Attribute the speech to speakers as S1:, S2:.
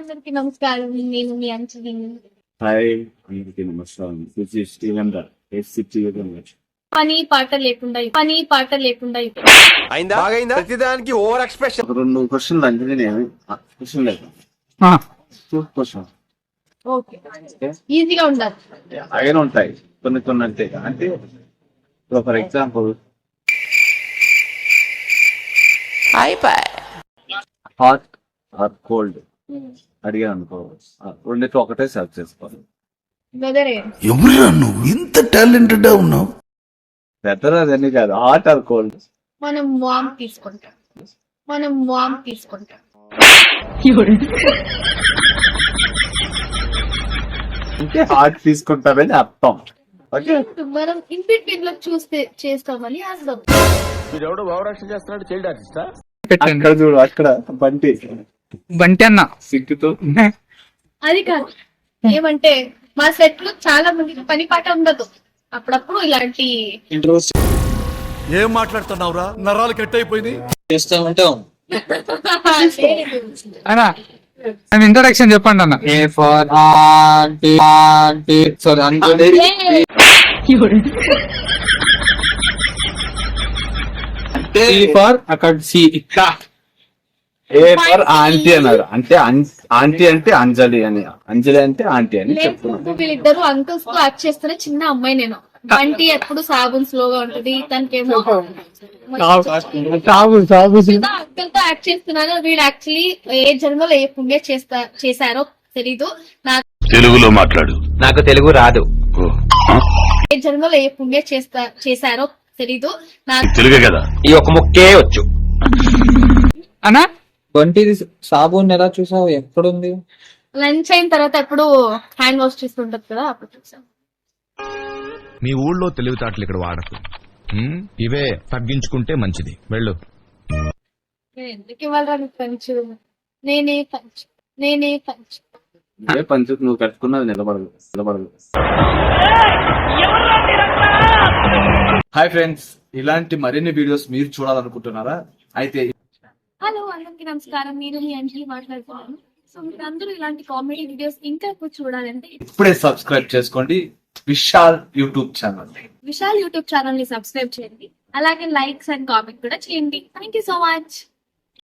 S1: అందరికి నమస్కారం. నేను మీ అంజలి.
S2: హాయ్ అందరికీ నమస్కారం. దిస్ ఇస్ స్టీవెన్ ద
S1: పని పాట లేకుండా
S3: అయిందా బాగైందా ప్రతిదానికి ఓవర్ ఎక్స్ప్రెషన్.
S2: ఒక 2 క్వశ్చన్లు అంజలి క్వశ్చన్ లేదు క్వశ్చన్
S1: ఓకే ఈజీగా ఉండాలి.
S2: అలాగే ఉంటాయి కొన్ని అంతే. అంటే for example hot or cold అడిగా అనుకో, రెండిట్లో ఒకటే సెర్చ్ చేసుకోవాలి.
S1: వెదర్
S4: ఎవరురా నువ్వు ఇంత టాలెంటెడ్ ఉన్నావు?
S2: వెదర్ అదని కాదు, హాట్ ఆర్ కోల్డ్.
S1: మనం వామ్ తీసుకుంటాం.
S2: అంటే హాట్ తీసుకుంటారని అర్థం. ఓకే,
S1: మనం ఇన్ బిట్వీన్ లో చూస్తే చేస్తామని అర్థం.
S3: వీడెవడో భావరక్షణ చేస్తున్నాడు, చైల్డ్ ఆర్టిస్టా?
S2: అక్కడ చూడు, అక్కడ బంటి
S5: అన్న
S2: సిగ్గుతో.
S1: అది కాదు, ఏమంటే మా సెట్ లో చాలా మందికి పని పాట ఉండదు. అప్పుడప్పుడు ఇలాంటి
S4: ఏం మాట్లాడుతున్నావురా? నరాలు కట్ అయిపోయింది.
S5: అన్న ఇంట్రొడక్షన్ చెప్పండి అన్న. ఏ ఫర్ అక్కడ సి
S2: ఏ ఫర్ ఆంటీ అన్నారు. అంటే ఆంటీ అంటే అంజలి అని, అంజలి అంటే ఆంటీ అని చెప్తున్నాను.
S1: వీళ్ళిద్దరు అంకుల్స్ తో యాక్ట్ చేస్తున్న చిన్న అమ్మాయి నేను. బంటి ఎప్పుడు సాబున్ స్లోగా ఉంటది, తనకేమో అంకుల్ తో యాక్ట్ చేస్తున్నాను. వీడు యాక్చువల్లీ ఏ జన్మలో ఏ పుణ్య చేశారో తెలీదు నాకు.
S4: తెలుగులో మాట్లాడు,
S3: నాకు తెలుగు రాదు.
S1: ఏ జన్మలో ఏ పుణ్య చేశారో తెలీదు నాకు.
S4: తెలుగే కదా.
S3: ఈ ఒక ముక్కే వచ్చు.
S5: అన్నా బంటిది సాబున్ ఎలా చూసావు? ఎక్కడుంది?
S1: లంచ్ అయిన తర్వాత ఎప్పుడు హ్యాండ్ వాష్ చేస్తుంటది కదా, అప్పుడు చూసాం.
S6: మీ ఊళ్ళో తెలివితేటలు ఇక్కడ వాడకు. ఇవే తగ్గించుకుంటే మంచిది. వెళ్ళు.
S1: ఎందుకు ఇవ్వాలరా నీకు పంచు? నేనే పంచు.
S2: ఏ పంచు నువ్వు కట్టుకున్నది నిలబడదు. హాయ్ ఫ్రెండ్స్, ఇలాంటి మరిన్ని వీడియోస్ మీరు చూడాలనుకుంటున్నారా? అయితే
S1: హలో అందరికి నమస్కారం. నేను మీ అంజలి మాట్లాడుతున్నాను. సో మీరు అందరూ ఇలాంటి కామెడీ వీడియోస్ ఇంకా ఎక్కువ చూడాలంటే
S2: ఇప్పుడే సబ్స్క్రైబ్ చేసుకోండి Vishal YouTube channel.
S1: Vishal YouTube channel ని సబ్స్క్రైబ్ చేయండి. అలాగే లైక్స్ అండ్ కామెంట్ కూడా చేయండి. Thank you so much.